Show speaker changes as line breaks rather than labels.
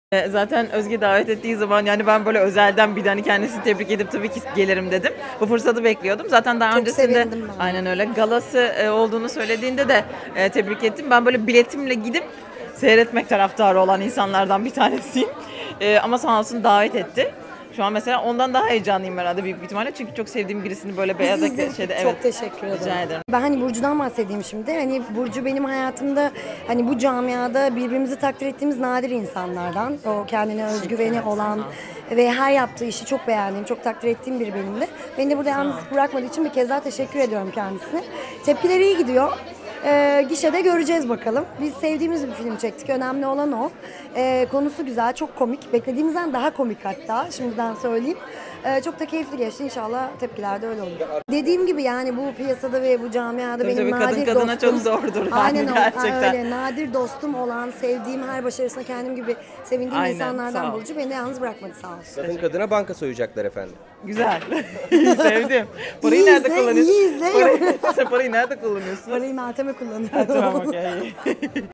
Zaten Özge davet ettiği zaman yani ben böyle özelden bir de hani kendisini tebrik edip tabii ki gelirim dedim. Bu fırsatı bekliyordum. Zaten daha
Çok
öncesinde
sevindim ben.
aynen öyle galası olduğunu söylediğinde de tebrik ettim. Ben böyle biletimle gidip seyretmek taraftarı olan insanlardan bir tanesiyim. Ama sağ olsun davet etti. Şu an mesela ondan daha heyecanlıyım herhalde büyük bir ihtimalle. Çünkü çok sevdiğim birisini böyle beyaz
İzledik.
şeyde
Çok teşekkür ederim.
rica ederim.
Ben hani Burcu'dan bahsedeyim şimdi. Hani Burcu benim hayatımda hani bu camiada birbirimizi takdir ettiğimiz nadir insanlardan. O kendine özgüveni olan ve her yaptığı işi çok beğendiğim, çok takdir ettiğim biri benim de. Beni de burada yalnız bırakmadığı için bir kez daha teşekkür ediyorum kendisine. Tepkileri iyi gidiyor. Gişede göreceğiz bakalım. Biz sevdiğimiz bir film çektik. Önemli olan o. Konusu güzel, çok komik. Beklediğimizden daha komik hatta. Şimdiden söyleyeyim. Çok da keyifli geçti. İnşallah tepkiler de öyle olur. Dediğim gibi yani bu piyasada ve bu camiada
Tabii
benim
tabii, kadın
nadir
kadına
dostum.
çok zordur yani
Aynen
gerçekten.
öyle. Nadir dostum olan, sevdiğim her başarısına kendim gibi sevindiğim
Aynen, sağ
insanlardan
ol.
Burcu. Beni de yalnız bırakmadı sağ olsun.
Kadın kadına banka soyacaklar efendim.
Güzel. Sevdim. Parayı
İyi
nerede
izle,
kullanıyorsun?
iyi izle.
Sen parayı nerede kullanıyorsun?
Parayı Meltem'e kullanıyorum.
Tamam, okey.